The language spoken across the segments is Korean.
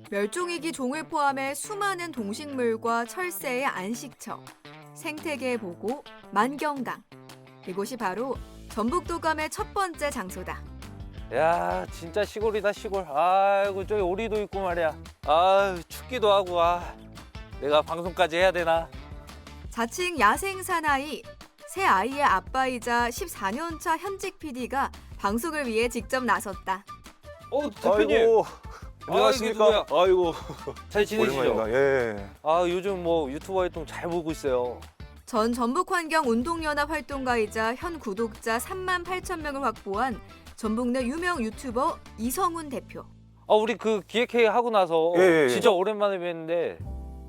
멸종위기 종을 포함해 수많은 동식물과 철새의 안식처, 생태계 보고 만경강. 이곳이 바로 전북도감의 첫 번째 장소다. 야, 진짜 시골이다, 시골. 아이고, 저기 오리도 있고 말이야. 아유, 춥기도 하고, 내가 방송까지 해야 되나? 자칭 야생 사나이, 새 아이의 아빠이자 14년차 현직 PD가 방송을 위해 직접 나섰다. 대표님. 아이고, 이게 안녕하십니까? 아이고, 잘 지내시죠? 오랜만이다. 예. 요즘 뭐 유튜버 활동 잘 보고 있어요. 전 전북환경운동연합 활동가이자 현 구독자 3만 8천 명을 확보한 전북 내 유명 유튜버 이성훈 대표. 우리 그 기획회의 하고 나서 예. 진짜 오랜만에 뵀는데.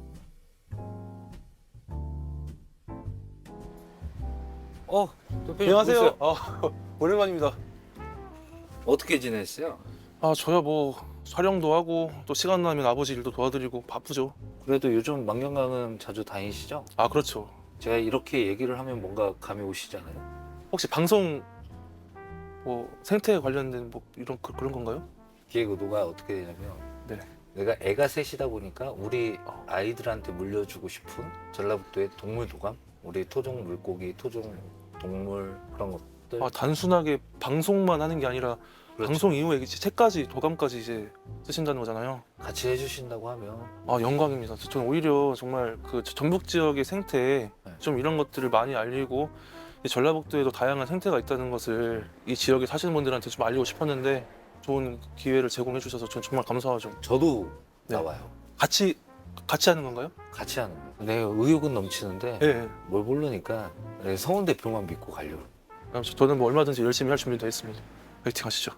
대표님. 안녕하세요. 보세요. 오랜만입니다. 어떻게 지냈어요? 저야 뭐 촬영도 하고 또 시간 나면 아버지 일도 도와드리고 바쁘죠. 그래도 요즘 만경강은 자주 다니시죠? 그렇죠. 제가 이렇게 얘기를 하면 뭔가 감이 오시잖아요. 혹시 방송 뭐 생태 관련된 뭐 이런 그런 건가요? 기획 의도가 어떻게 되냐면 네. 내가 애가 셋이다 보니까 우리 아이들한테 물려주고 싶은 전라북도의 동물 도감, 우리 토종 물고기, 토종 동물 그런 것들. 단순하게 방송만 하는 게 아니라 그렇죠. 방송 이후에 이제 책까지 도감까지 이제 쓰신다는 거잖아요. 같이 해주신다고 하면 영광입니다. 저는 오히려 정말 그 전북 지역의 생태 네. 좀 이런 것들을 많이 알리고 이 전라북도에도 다양한 생태가 있다는 것을 이 지역에 사시는 분들한테 좀 알리고 싶었는데 좋은 기회를 제공해 주셔서 저는 정말 감사하죠. 저도 네. 나와요. 같이 하는 건가요? 같이 하는 거예요. 내 의욕은 넘치는데 네. 뭘 모르니까 성훈 대표만 믿고 가려고. 그럼 저는 뭐 얼마든지 열심히 할 준비도 했습니다. 파이팅 하시죠.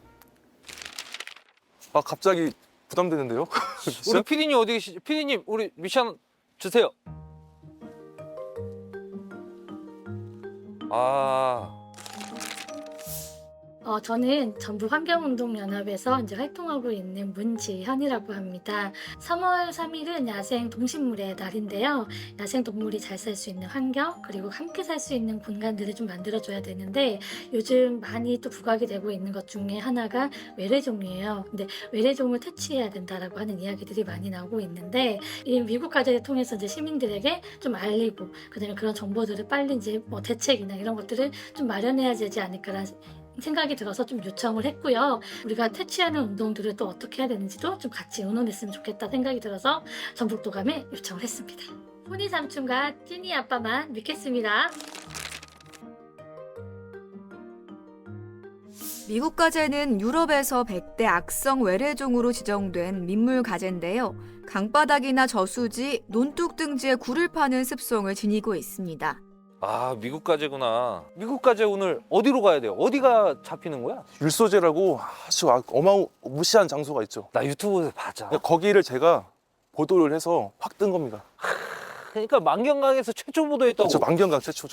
갑자기 부담되는데요? 우리 PD님 어디 계시죠? PD님 우리 미션 주세요. 저는 전북환경운동연합에서 이제 활동하고 있는 문지현이라고 합니다. 3월 3일은 야생 동식물의 날인데요. 야생 동물이 잘 살 수 있는 환경, 그리고 함께 살 수 있는 공간들을 좀 만들어줘야 되는데 요즘 많이 또 부각이 되고 있는 것 중에 하나가 외래종이에요. 근데 외래종을 퇴치해야 된다라고 하는 이야기들이 많이 나오고 있는데 이 미국 과제를 통해서 이제 시민들에게 좀 알리고 그다음에 그런 정보들을 빨리 이제 뭐 대책이나 이런 것들을 좀 마련해야 되지 않을까라는 생각이 들어서 좀 요청을 했고요. 우리가 퇴치하는 운동들을 또 어떻게 해야 되는지도 좀 같이 의논했으면 좋겠다 생각이 들어서 전북도감에 요청을 했습니다. 포니 삼촌과 찐이 아빠만 믿겠습니다. 미국 가재는 유럽에서 100대 악성 외래종으로 지정된 민물 가재인데요. 강바닥이나 저수지, 논둑 등지에 굴을 파는 습성을 지니고 있습니다. 미국 가재구나. 미국 가재 오늘 어디로 가야 돼요? 어디가 잡히는 거야? 율소재라고 아주 어마무시한 장소가 있죠. 나 유튜브에서 봤잖아. 거기를 제가 보도를 해서 확 뜬 겁니다. 그러니까 만경강에서 최초 보도했다고. 저 만경강 최초죠.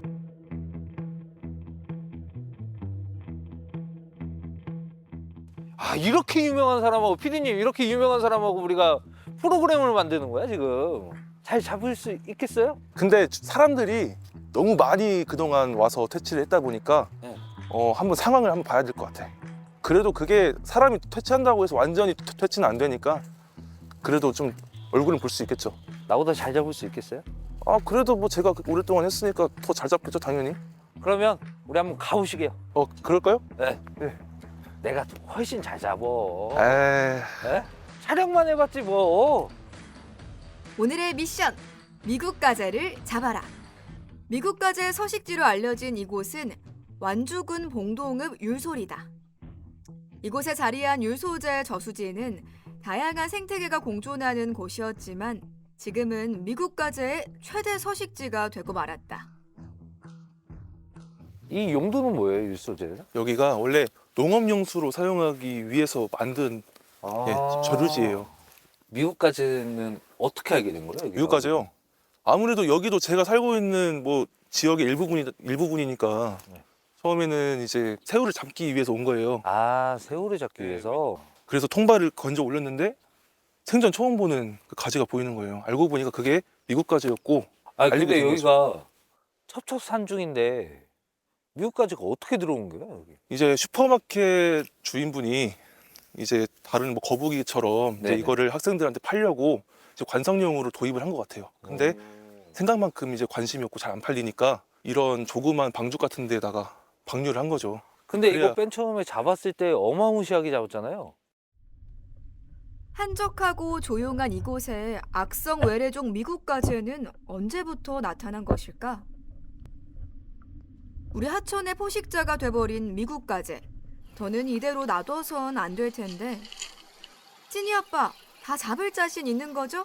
이렇게 유명한 사람하고 PD님 이렇게 유명한 사람하고 우리가 프로그램을 만드는 거야 지금. 잘 잡을 수 있겠어요? 근데 사람들이 너무 많이 그동안 와서 퇴치를 했다 보니까 네. 한번 상황을 한번 봐야 될 것 같아. 그래도 그게 사람이 퇴치한다고 해서 완전히 퇴치는 안 되니까 그래도 좀 얼굴은 볼 수 있겠죠. 나보다 잘 잡을 수 있겠어요? 그래도 뭐 제가 오랫동안 했으니까 더 잘 잡겠죠, 당연히. 그러면 우리 한번 가보시게요. 그럴까요? 네. 네. 내가 훨씬 잘 잡어. 에이. 네? 촬영만 해봤지 뭐. 오늘의 미션! 미국 가재를 잡아라! 미국 가재의 서식지로 알려진 이곳은 완주군 봉동읍 율소리다. 이곳에 자리한 율소재 저수지는 다양한 생태계가 공존하는 곳이었지만 지금은 미국 가재의 최대 서식지가 되고 말았다. 이 용도는 뭐예요, 율소재는? 여기가 원래 농업용수로 사용하기 위해서 만든 저류지예요. 미국 가재는 어떻게 알게 된 거예요? 미국까지요. 아무래도 여기도 제가 살고 있는 뭐 지역의 일부분이니까 네. 처음에는 이제 새우를 잡기 위해서 온 거예요. 새우를 잡기 위해서. 그래서 통발을 건져 올렸는데 생전 처음 보는 그 가지가 보이는 거예요. 알고 보니까 그게 미국 가지였고. 근데 알리게 된 여기가 첩첩산중인데 미국 가재가 어떻게 들어온 거야 여기? 이제 슈퍼마켓 주인분이 이제 다른 뭐 거북이처럼 이제 네네. 이거를 학생들한테 팔려고 이제 관상용으로 도입을 한 것 같아요. 근데 생각만큼 이제 관심이 없고 잘 안 팔리니까 이런 조그만 방죽 같은 데다가 방류를 한 거죠. 근데 그래야- 이거 맨 처음에 잡았을 때 어마무시하게 잡았잖아요. 한적하고 조용한 이곳에 악성 외래종 미국가재는 언제부터 나타난 것일까? 우리 하천의 포식자가 돼버린 미국가재. 더는 이대로 놔둬선 안 될 텐데. 찐이 아빠, 다 잡을 자신 있는 거죠?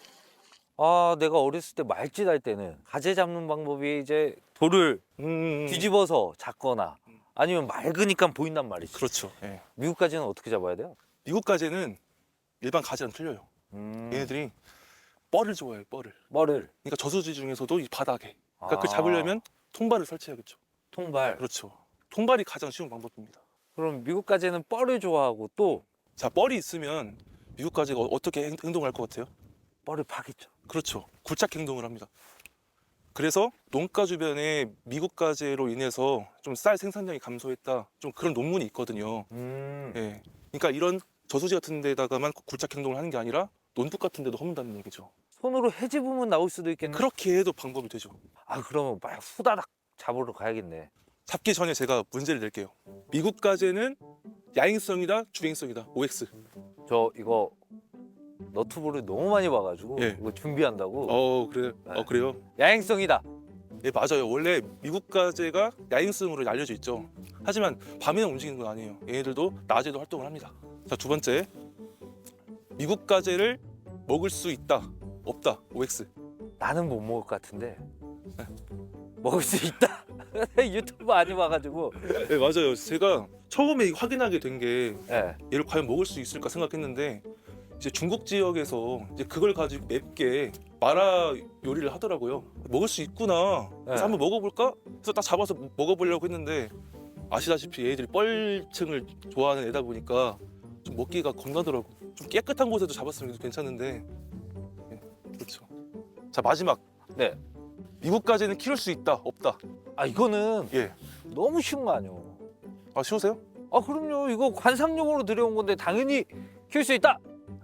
아, 내가 어렸을 때 말짓 할 때는 가재 잡는 방법이 이제 돌을 뒤집어서 잡거나 아니면 맑으니까 보인단 말이지. 그렇죠. 예. 미국 가재는 어떻게 잡아야 돼요? 미국 가재는 일반 가재랑 틀려요. 얘네들이 뻘을 좋아해요. 뻘을. 머리를. 그러니까 저수지 중에서도 이 바닥에. 그러니까 아. 그 잡으려면 통발을 설치해야겠죠. 통발. 그렇죠. 통발이 가장 쉬운 방법입니다. 그럼 미국 가재는 뻘을 좋아하고 또 자, 뻘이 있으면 미국 가재가 어떻게 행동을 할 것 같아요? 뻘을 파겠죠. 그렇죠. 굴착 행동을 합니다. 그래서 농가 주변에 미국 가재로 인해서 좀 쌀 생산량이 감소했다. 좀 그런 논문이 있거든요. 예. 그러니까 이런 저수지 같은 데다가만 굴착 행동을 하는 게 아니라 논둑 같은 데도 허문다는 얘기죠. 손으로 해집으면 나올 수도 있겠네. 그렇게 해도 방법이 되죠. 아, 그러면 막 후다닥 잡으러 가야겠네. 잡기 전에 제가 문제를 낼게요. 미국 가재는 야행성이다, 주행성이다. OX. 저 이거 너튜브를 너무 많이 봐가지고 예. 이거 준비한다고. 그래요. 네. 그래요. 야행성이다. 예, 맞아요. 원래 미국 가재가 야행성으로 알려져 있죠. 하지만 밤에는 움직이는 건 아니에요. 얘네들도 낮에도 활동을 합니다. 자, 두 번째. 미국 가재를 먹을 수 있다, 없다. OX. 나는 못 먹을 것 같은데 먹을 수 있다. 유튜브 많이 봐가지고. 네, 맞아요. 제가 처음에 확인하게 된 게 예. 얘를 과연 먹을 수 있을까 생각했는데 이제 중국 지역에서 이제 그걸 가지고 맵게 마라 요리를 하더라고요. 먹을 수 있구나. 그래서 네. 한번 먹어볼까? 해서 딱 잡아서 먹어보려고 했는데 아시다시피 얘들이 뻘층을 좋아하는 애다 보니까 좀 먹기가 겁나더라고. 좀 깨끗한 곳에도 잡았으면 괜찮은데. 네, 그렇죠. 자, 마지막. 네. 미국 가재는 키울 수 있다, 없다. 아, 이거는 예. 너무 쉬운 거 아니에요. 아, 쉬우세요? 아, 그럼요. 이거 관상용으로 들여온 건데 당연히 키울 수 있다.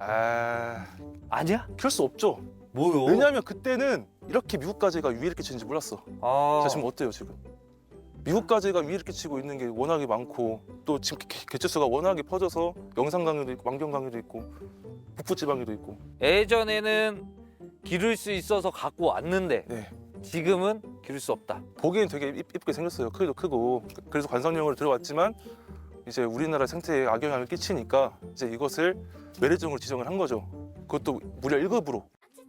아니야? 키울 수 없죠. 뭐요? 왜냐하면 그때는 이렇게 미국 가재가 위에 끼치는지 몰랐어. 아, 자, 지금 어때요 지금? 미국 가재가 위에 끼치고 있는 게 워낙에 많고 또 지금 개체수가 워낙에 퍼져서 영산 강에도 있고 만경 강에도 있고 북부 지방에도 있고. 예전에는 기를 수 있어서 갖고 왔는데 네. 지금은 기를 수 없다. 보기엔 되게 이쁘게 생겼어요. 크기도 크고. 그래서 관상용으로 들어왔지만 이제 우리나라 생태에 악영향을 끼치니까 이제 이것을 외래종으로 지정을 한 거죠. 그것도 무려 1급으로.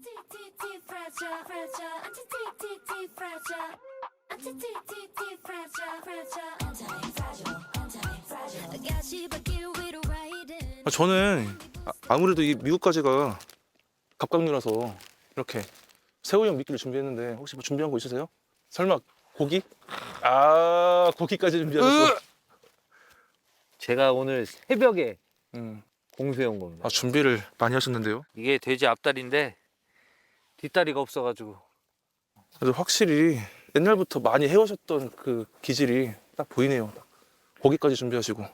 저는 아무래도 이 미국 가재가 갑각류라서 이렇게 새우용 미끼를 준비했는데 혹시 뭐 준비한 거 있으세요? 설마 고기? 아, 고기까지 준비하셨어. 제가 오늘 새벽에 음. 공수해온 겁니다. 아, 준비를 많이 하셨는데요. 이게 돼지 앞다리인데 뒷다리가 없어가지고. 그래서 확실히 옛날부터 많이 해오셨던 그 기질이 딱 보이네요. 고기까지 준비하시고.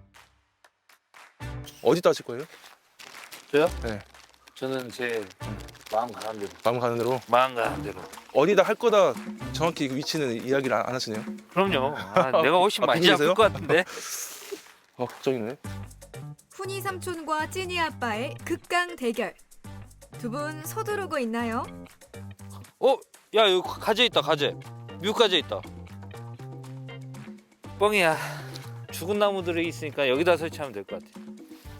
어디다 하실 거예요? 저요? 네. 저는 제 마음 가는 대로. 마음 가는 대로. 마음 가는 대로. 어디다 할 거다 정확히 그 위치는 이야기를 안 하시네요. 그럼요. 아, 내가 훨씬 많이 비밀이세요? 잡을 것 같은데. 걱정이네. 훈이 삼촌과 찐이 아빠의 극강 대결. 두 분 서두르고 있나요? 야, 여기 가재 있다, 가재. 미국 가재 있다. 뻥이야. 죽은 나무들이 있으니까 여기다 설치하면 될 것 같아.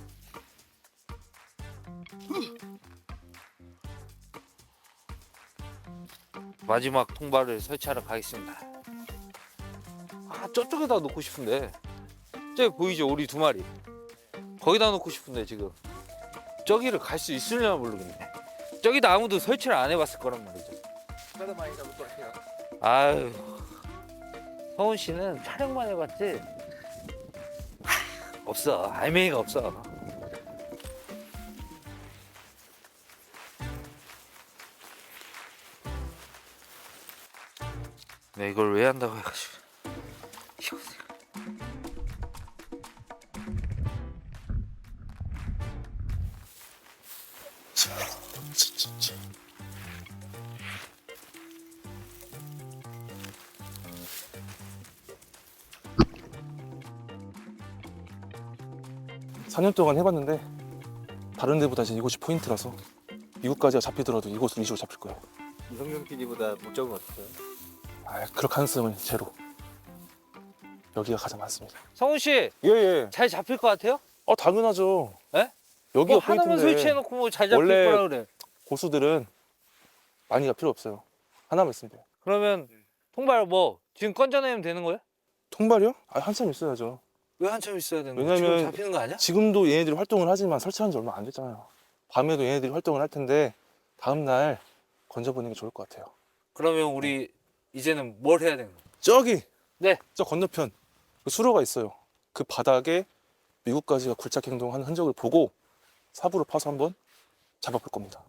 마지막 통발을 설치하러 가겠습니다. 아, 저쪽에다 놓고 싶은데. 저기 보이죠? 우리 두 마리. 거기다 놓고 싶은데 지금. 저기를 갈 수 있으려나 모르겠네. 저기다 아무도 설치를 안 해봤을 거란 말이죠. 얼마나 많이 잡을 것 같아요? 아유, 서훈 씨는 촬영만 해봤지 없어. 알맹이가 없어. 네, 이걸 왜 한다고 해가지고. 이거. 4년 동안 해봤는데 다른 데보다 이제 이곳이 포인트라서 미국까지가 잡히더라도 이곳은 이쪽으로 잡힐 거예요. 이성경 PD보다 못 잡으면 어떡해요? 아, 그럴 가능성은 제로. 여기가 가장 많습니다. 성훈 씨, 예예. 잘 잡힐 것 같아요? 당연하죠. 예? 여기가 뭐 하나만 포인트인데 설치해놓고 뭐 잘 잡힐 원래- 거라 그래. 고수들은 많이가 필요 없어요. 하나만 있으면 돼요. 그러면 통발 뭐 지금 건져내면 되는 거예요? 통발이요? 한참 있어야죠. 왜 한참 있어야 되는 거야? 왜냐면 지금 잡히는 거 아니야? 지금도 얘네들이 활동을 하지만 설치한 지 얼마 안 됐잖아요. 밤에도 얘네들이 활동을 할 텐데 다음 날 건져보는 게 좋을 것 같아요. 그러면 우리 이제는 뭘 해야 되는 거야? 저기! 네. 저 건너편 그 수로가 있어요. 그 바닥에 미국가지가 굴착 행동하는 흔적을 보고 삽으로 파서 한번 잡아볼 겁니다.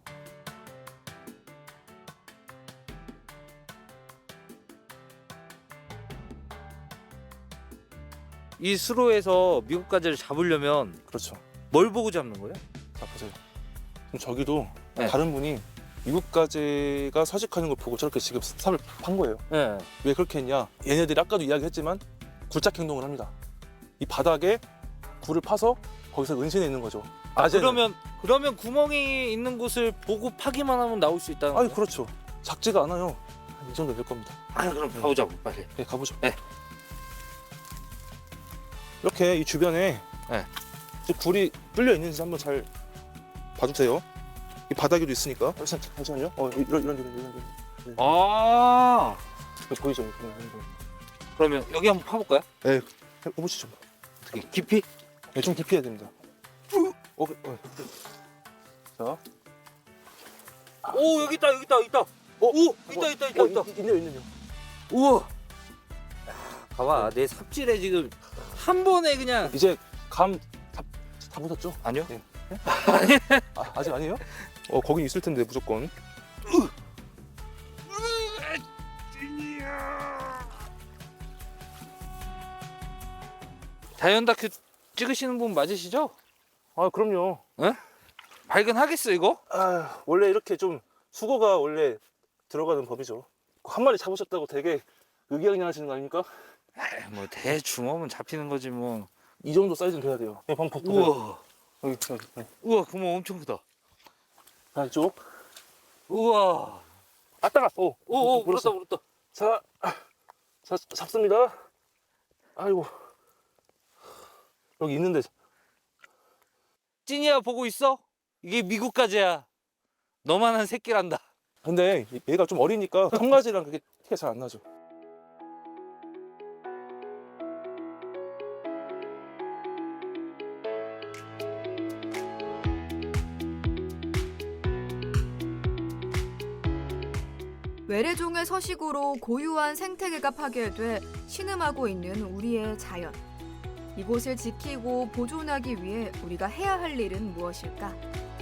이 수로에서 미국 가지를 잡으려면 그렇죠. 뭘 보고 잡는 거예요? 자, 보세요. 그럼 저기도 네. 다른 분이 미국가지가 서식하는 걸 보고 저렇게 지금 삽을 판 거예요. 네. 왜 그렇게 했냐? 얘네들이 아까도 이야기했지만 굴착 행동을 합니다. 이 바닥에 굴을 파서 거기서 은신해 있는 거죠. 낮에는. 그러면 구멍이 있는 곳을 보고 파기만 하면 나올 수 있다는 아니 거예요? 그렇죠. 작지가 않아요. 이 정도 될 겁니다. 그럼 가보자고 빨리. 네, 가보죠. 네. 이렇게 이 주변에 네. 이제 굴이 뚫려 있는지 한번 잘 봐주세요. 이 바닥에도 있으니까. 잠시만요. 이런 데. 아, 보이죠? 그러면 여기 한번 파볼까요? 네, 해보시죠. 어떻게 깊이? 네, 좀 깊이 해야 됩니다. 자, 오, 여기 있다. 오, 있다. 있네요. 우와. 봐봐, 내 삽질에 지금 한 번에 그냥. 이제 감 다 보셨죠? 아니요. 네. 아직 아니에요? 거긴 있을 텐데 무조건. 자연 다큐 찍으시는 분 맞으시죠? 아, 그럼요. 발견하겠어 이거? 원래 이렇게 좀 수고가 원래 들어가는 법이죠. 한 마리 잡으셨다고 되게 의기양양하시는 거 아닙니까? 뭐 대충 오면 잡히는 거지 뭐. 이 정도 사이즈는 돼야 돼요. 네, 한번 보세요. 우와, 여기. 우와, 구멍 엄청 크다. 자, 이쪽. 우와. 따가. 오, 물었어. 물었다. 자, 잡습니다. 아이고. 여기 있는데. 찐이야 보고 있어? 이게 미국 가지야. 너만한 새끼란다. 근데 얘가 좀 어리니까 청가지랑 그게 티가 잘 안 나죠. 외래종의 서식으로 고유한 생태계가 파괴돼 신음하고 있는 우리의 자연. 이곳을 지키고 보존하기 위해 우리가 해야 할 일은 무엇일까?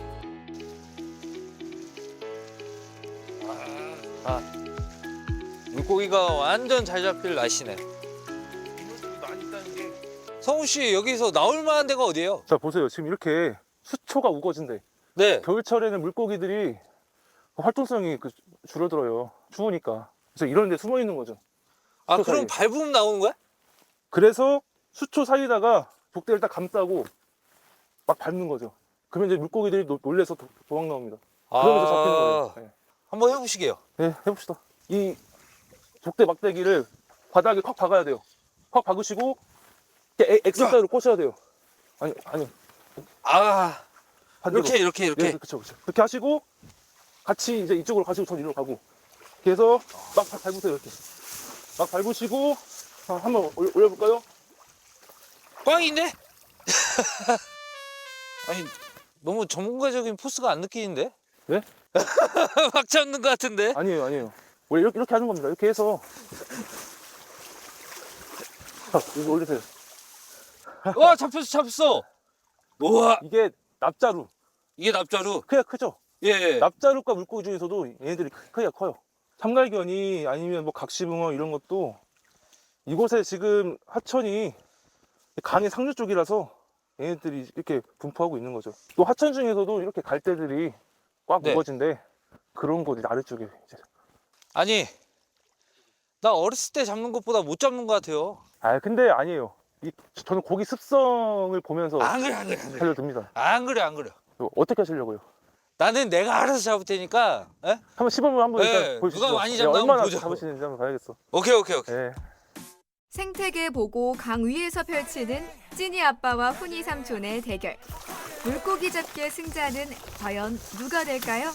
물고기가 완전 잘 잡힐 날씨네. 많이 있다는 게. 성훈 씨 여기서 나올 만한 데가 어디예요? 자, 보세요. 지금 이렇게 수초가 우거진데 네. 겨울철에는 물고기들이 활동성이 줄어들어요. 추우니까. 그래서 이런 데 숨어 있는 거죠. 아, 수초 그럼 사이에. 밟으면 나오는 거야? 그래서 수초 사이다가 족대를 딱 감싸고 막 밟는 거죠. 그러면 이제 물고기들이 놀래서 도망 나옵니다. 그러면서 잡히는 거예요. 네. 한번 해보시게요. 네, 해봅시다. 이 족대 막대기를 바닥에 콱 박아야 돼요. 콱 박으시고 이렇게 X자로 꽂아야 돼요. 아니, 아, 반대로. 이렇게. 네, 그렇죠. 그렇게 하시고 같이 이제 이쪽으로 가시고 전 이리로 가고. 이렇게 해서 막 밟으세요. 이렇게 막 밟으시고 한번 올려볼까요? 꽝인데? 아니, 너무 전문가적인 포스가 안 느끼는데? 네? 막 잡는 것 같은데? 아니에요. 원래 이렇게 하는 겁니다. 이렇게 해서 자, 이거 올리세요. 와, 잡혔어. 우와, 이게 납자루. 이게 납자루. 크기가 크죠? 예. 납자루과 물고기 중에서도 얘네들이 크기가 커요. 참갈견이 아니면 뭐 각시붕어 이런 것도 이곳에 지금 하천이 강의 상류 쪽이라서 얘네들이 이렇게 분포하고 있는 거죠. 또 하천 중에서도 이렇게 갈대들이 꽉 네. 우거진데 그런 곳이 아래쪽에 이제. 아니, 나 어렸을 때 잡는 것보다 못 잡는 것 같아요. 아 근데 아니에요. 저는 고기 습성을 보면서 안 그래, 안 그래, 안 그래. 살려듭니다. 안 그래, 안 그래. 어떻게 하시려고요? 나는 내가 알아서 잡을 테니까. 에? 한번 시범을 한번 네, 일단 보여주시죠. 누가 많이 잡나 얼마나 한번 보자고. 잡으시는지 한번 봐야겠어. 오케이, 오케이, 오케이. 네. 생태계 보고 강 위에서 펼치는 찐이 아빠와 훈이 삼촌의 대결. 물고기 잡기의 승자는 과연 누가 될까요?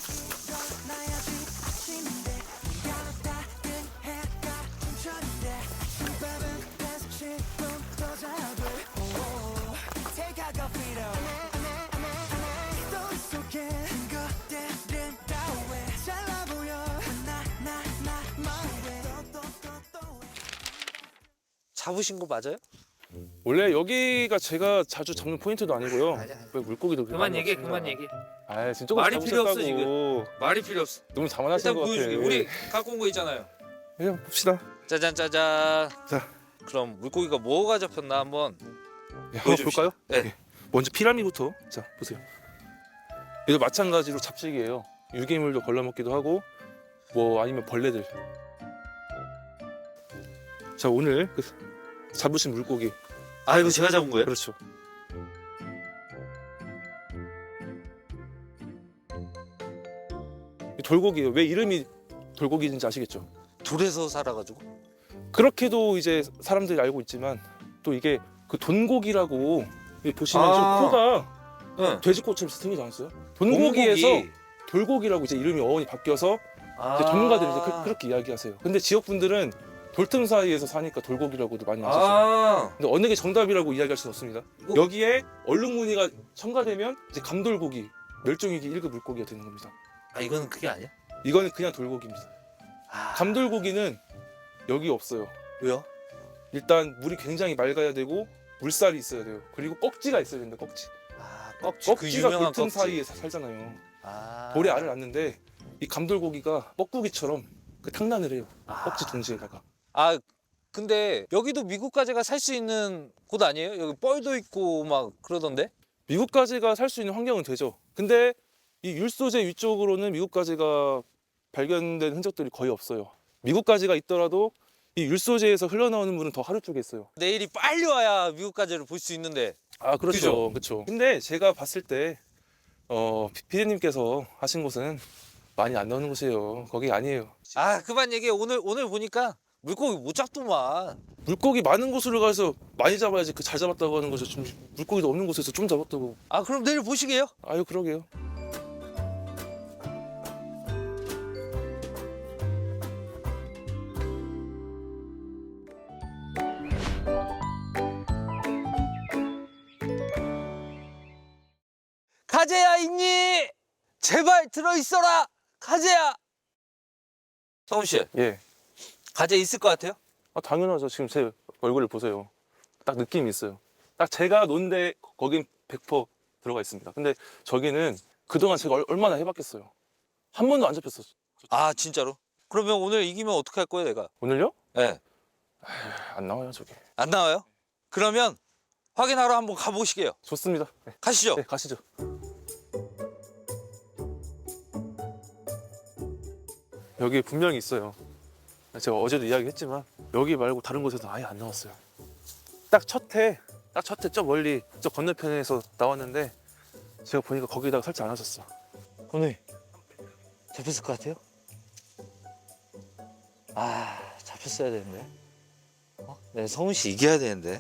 잡으신 거 맞아요? 원래 여기가 제가 자주 잡는 포인트도 아니고요. 왜 물고기도 그렇게 많이 없습니다. 얘기해. 아 진짜 말이 필요 없어, 지금. 말이 필요 없어. 너무 자만하신 것 같아. 우리 갖고 온 거 있잖아요. 그냥 봅시다. 짜잔, 짜잔. 자. 그럼 물고기가 뭐가 잡혔나 한번. 네, 한번 보여줍시다. 볼까요? 네. 네. 먼저 피라미부터. 자 보세요. 얘도 마찬가지로 잡식이에요. 유기물도 걸러먹기도 하고 뭐 아니면 벌레들. 자 오늘 잡으신 물고기. 아, 이거 제가 잡은 거예요? 그렇죠. 이 돌고기예요. 왜 이름이 돌고기인지 아시겠죠? 돌에서 살아가지고. 그렇게도 이제 사람들이 알고 있지만 또 이게 그 돈고기라고 보시면 아. 좀 코가 응. 돼지코처럼 생기지 않았어요? 돈고기에서 돌고기라고 이제 이름이 어원이 바뀌어서 이제 전문가들이 이제 그렇게 이야기하세요. 근데 지역 분들은 돌틈 사이에서 사니까 돌고기라고도 많이 하시죠. 아. 근데 어느 게 정답이라고 이야기할 수는 없습니다. 뭐? 여기에 얼룩무늬가 첨가되면 이제 감돌고기, 멸종위기 1급 물고기가 되는 겁니다. 아, 이거는 그게 아니야? 이거는 그냥 돌고기입니다. 아. 감돌고기는 여기 없어요. 왜요? 일단 물이 굉장히 맑아야 되고 물살이 있어야 돼요. 그리고 꺽지가 있어야 된다. 꺽지. 아, 꺽지. 그 꺽지가 유명한 돌틈 꺽지. 사이에 살잖아요. 아. 돌에 알을 낳는데 이 감돌고기가 뻐꾸기처럼 그 탕란을 해요. 꺽지 둥지에다가. 아, 근데 여기도 미국 가재가 살 수 있는 곳 아니에요? 여기 뻘도 있고 막 그러던데? 미국 가재가 살 수 있는 환경은 되죠. 근데 이 율소재 위쪽으로는 미국 가재가 발견된 흔적들이 거의 없어요. 미국 가재가 있더라도 이 율소재에서 흘러나오는 물은 더 하류 쪽에 있어요. 내일이 빨리 와야 미국 가재를 볼 수 있는데. 아 그죠? 그렇죠, 그렇죠. 근데 제가 봤을 때 피디님께서 하신 곳은 많이 안 나오는 곳이에요. 거기 아니에요. 아, 그만 얘기해. 오늘 보니까 물고기 못 잡더만. 물고기 많은 곳으로 가서 많이 잡아야지 그 잘 잡았다고 하는 거죠. 좀 물고기도 없는 곳에서 좀 잡았다고. 아, 그럼 내일 보시게요? 아유 그러게요. 가재야 있니? 제발 들어있어라. 가재야. 성훈 씨, 예. 가재 있을 것 같아요? 아 당연하죠. 지금 제 얼굴을 보세요. 딱 느낌이 있어요. 딱 제가 논데 거긴 100% 들어가 있습니다. 근데 저기는 그동안 제가 얼마나 해봤겠어요. 한 번도 안 잡혔어. 아, 진짜로? 그러면 오늘 이기면 어떻게 할 거예요, 내가? 오늘요? 네. 안 나와요 저기. 안 나와요? 그러면 확인하러 한번 가보시게요. 좋습니다. 네, 가시죠. 네 가시죠. 여기 분명히 있어요. 제가 어제도 이야기했지만 여기 말고 다른 곳에서 아예 안 나왔어요. 딱 첫 해 저 멀리 저 건너편에서 나왔는데 제가 보니까 거기다가 설치 안 하셨어. 오늘 잡혔을 것 같아요? 아, 잡혔어야 되는데. 네, 성훈 씨 이겨야 되는데.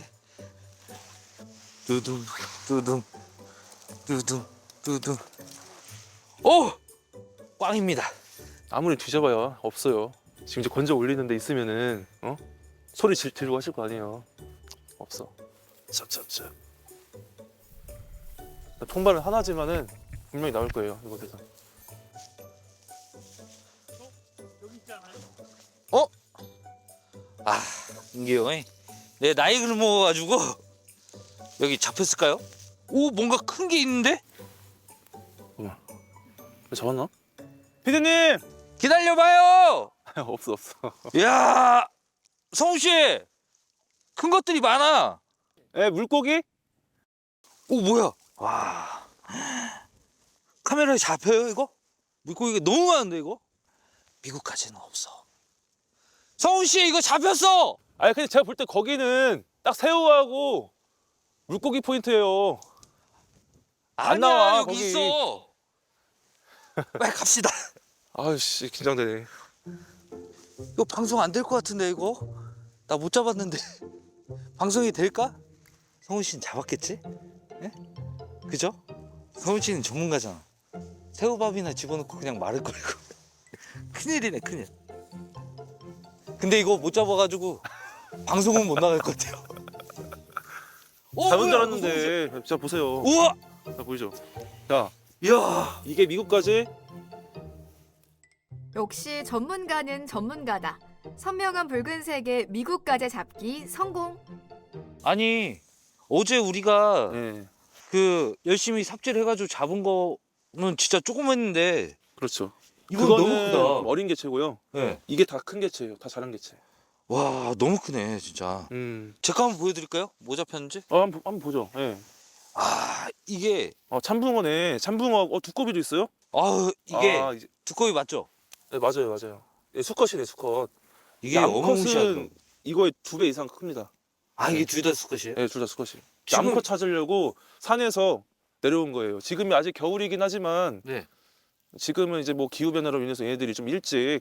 두둥, 두둥, 두둥, 두둥. 오! 꽝입니다. 아무리 뒤져봐야 없어요. 지금 이제 건져 올리는 데 있으면은 소리 지르고 하실 거 아니에요. 없어. 찹찹찹. 통발은 하나지만은 분명히 나올 거예요 이곳에서. 아, 인기 형이 내 나이를 먹어가지고 여기 잡혔을까요? 오, 뭔가 큰 게 있는데? 잡았나? 피디님! 기다려봐요! 없어. 이야, 성훈 씨! 큰 것들이 많아! 에 물고기? 오, 뭐야? 와. 카메라에 잡혀요, 이거? 물고기가 너무 많은데 이거? 미국까지는 없어. 성훈 씨 이거 잡혔어. 아니 근데 제가 볼 때 거기는 딱 새우하고 물고기 포인트예요. 안 아니야, 나와, 여기 거기. 있어. 빨리 갑시다. 아유씨 긴장되네. 이거 방송 안 될 것 같은데 이거? 나 못 잡았는데 방송이 될까? 성훈 씨는 잡았겠지? 예? 그죠? 성훈 씨는 전문가잖아. 새우밥이나 집어넣고 그냥 마를 거 이거. 큰일이네 큰일. 근데 이거 못 잡아가지고 방송은 못 나갈 것 같아요. 잡은 줄 알았는데 진짜 보세요. 우와! 자 보이죠? 자 이야! 이게 미국까지 역시 전문가는 전문가다. 선명한 붉은색의 미국가재 잡기 성공. 아니 어제 우리가 네 그 열심히 삽질 해가지고 잡은 거는 진짜 조그맸는데 그렇죠. 이거 그거는 너무 크다. 어린 개체고요. 네. 이게 다 큰 개체예요. 다 자란 개체. 와 너무 크네 진짜. 제 거 한번 보여드릴까요? 뭐 잡혔는지? 한번 보죠. 예. 아 이게 참붕어네. 참붕어 두꺼비도 있어요? 이게 이제- 두꺼비 맞죠? 네, 맞아요. 예, 수컷이네 수컷. 이게 암컷은 어마무시하죠. 이거의 2배 이상 큽니다. 이게 둘 다 수컷이에요? 네, 둘 다 수컷이. 지금- 암컷 찾으려고 산에서 내려온 거예요. 지금이 아직 겨울이긴 하지만 네. 지금은 이제 뭐 기후 변화로 인해서 얘네들이 좀 일찍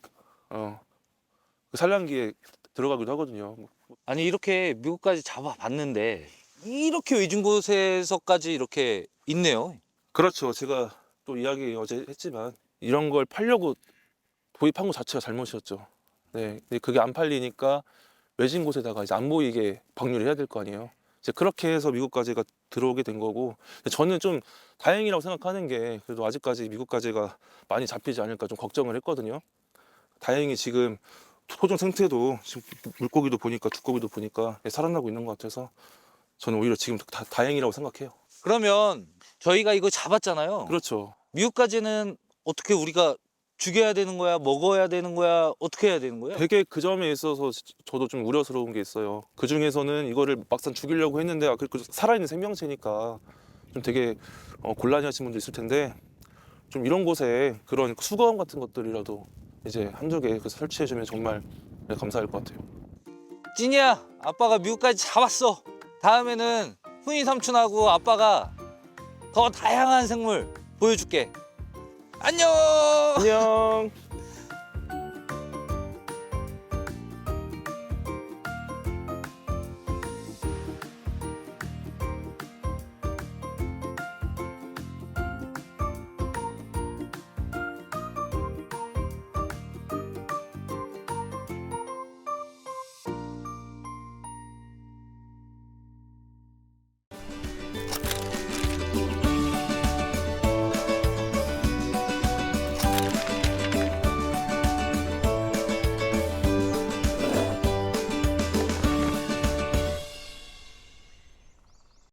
그 산란기에 들어가기도 하거든요. 아니 이렇게 미국까지 잡아봤는데 이렇게 외진 곳에서까지 이렇게 있네요. 그렇죠. 제가 또 이야기 어제 했지만 이런 걸 팔려고 도입한 것 자체가 잘못이었죠. 네, 근데 그게 안 팔리니까 외진 곳에다가 이제 안 보이게 방류를 해야 될 거 아니에요. 이제 그렇게 해서 미국까지가 들어오게 된 거고, 근데 저는 좀 다행이라고 생각하는 게 그래도 아직까지 미국까지가 많이 잡히지 않을까 좀 걱정을 했거든요. 다행히 지금 토종 생태도 지금 물고기도 보니까 두꺼비도 보니까 살아나고 있는 것 같아서 저는 오히려 지금 다행이라고 생각해요. 그러면 저희가 이거 잡았잖아요. 그렇죠. 미국까지는 어떻게 우리가 죽여야 되는 거야? 먹어야 되는 거야? 어떻게 해야 되는 거야? 되게 그 점에 있어서 저도 좀 우려스러운 게 있어요. 그 중에서는 이거를 막상 죽이려고 했는데 그 살아있는 생명체니까 좀 되게 곤란해하시는 분도 있을 텐데 좀 이런 곳에 그런 수거함 같은 것들이라도 이제 한두 개 설치해주면 정말 감사할 것 같아요. 찐이야, 아빠가 미국까지 잡았어. 다음에는 훈이 삼촌하고 아빠가 더 다양한 생물 보여줄게. 안녕. 안녕.